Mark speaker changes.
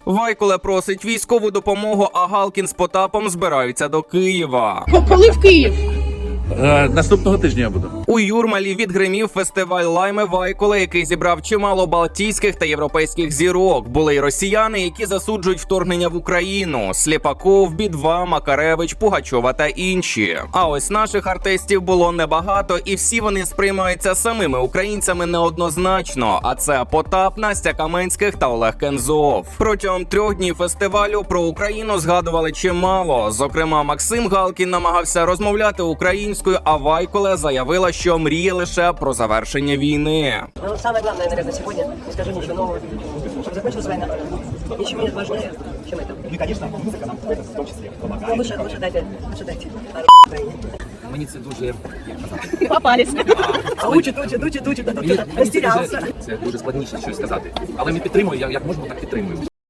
Speaker 1: Вайкуле просить військову допомогу, а Галкін з Потапом збираються до Києва.
Speaker 2: Коли в Київ?
Speaker 3: Наступного тижня я буду.
Speaker 1: У Юрмалі відгримів фестиваль лайми Вайкуле, який зібрав чимало балтійських та європейських зірок. Були й росіяни, які засуджують вторгнення в Україну: Сліпаков, Бі-2, Макаревич, Пугачова та інші. А ось наших артистів було небагато, і всі вони сприймаються самими українцями неоднозначно. А це Потап, Настя Каменських та Олег Кензов. Протягом 3 днів фестивалю про Україну згадували чимало. Зокрема, Максим Галкін намагався розмовляти українською, а Вайкуле заявила, що мріє лише про завершення війни.
Speaker 4: Ну, самое главное, наверное, сегодня, не скажу ничего нового, чтобы закончилась война. Ничего нет важнее, чем это.
Speaker 5: Ну и, конечно, музыка нам в том числе помогает.
Speaker 4: Лучше дайте.
Speaker 6: Мені це дуже
Speaker 2: Попались.
Speaker 4: Учит, растерялся.
Speaker 6: це дуже складніше щось сказати. Але ми підтримуємо, як можемо, так підтримуємо.